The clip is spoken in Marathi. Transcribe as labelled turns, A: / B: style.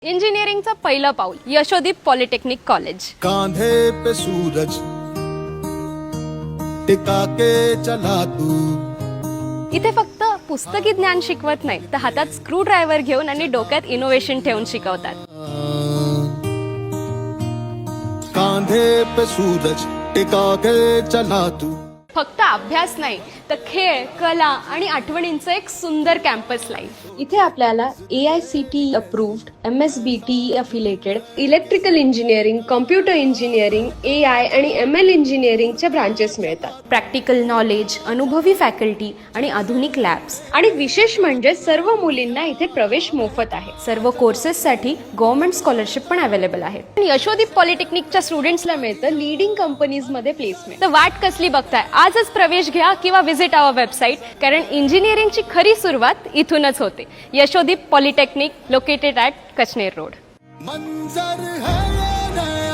A: इंजिनिअरिंगचं पहिलं पाऊल यशोदीप पॉलिटेक्निक कॉलेज.
B: कांधे पे सूरज टिका के चला तू.
A: इथे फक्त पुस्तकी ज्ञान शिकवत नाही तर हातात स्क्रू ड्रायव्हर घेऊन आणि डोक्यात इनोव्हेशन ठेवून शिकवतात.
B: कांधे पे सूरज टिका के चला तू.
A: फक्त अभ्यास नाही तर खेळ, कला आणि आठवणींचं एक सुंदर कॅम्पस लाईफ.
C: इथे आपल्याला AICTE approved, MSBT affiliated electrical engineering, computer engineering, AI आणि ML इंजिनिअरिंगचे ब्रांचेस मिळतात.
A: प्रॅक्टिकल नॉलेज, अनुभवी फॅकल्टी आणि आधुनिक लॅब्स.
C: आणि विशेष म्हणजे सर्व मुलींना इथे प्रवेश मोफत आहे.
A: सर्व कोर्सेससाठी गव्हर्नमेंट स्कॉलरशिप पण अवेलेबल आहे. यशोदीप पॉलिटेक्निकच्या स्टुडंट्सला मिळतं लीडिंग कंपनीजमध्ये प्लेसमेंट. तर वाट कसली बघताय? आजच प्रवेश घ्या किंवा विजिट आवर वेबसाईट, कारण इंजिनिअरिंगची खरी सुरुवात इथूनच होते. Yashodeep polytechnic located at Kachner road.
B: मंजर है ये नया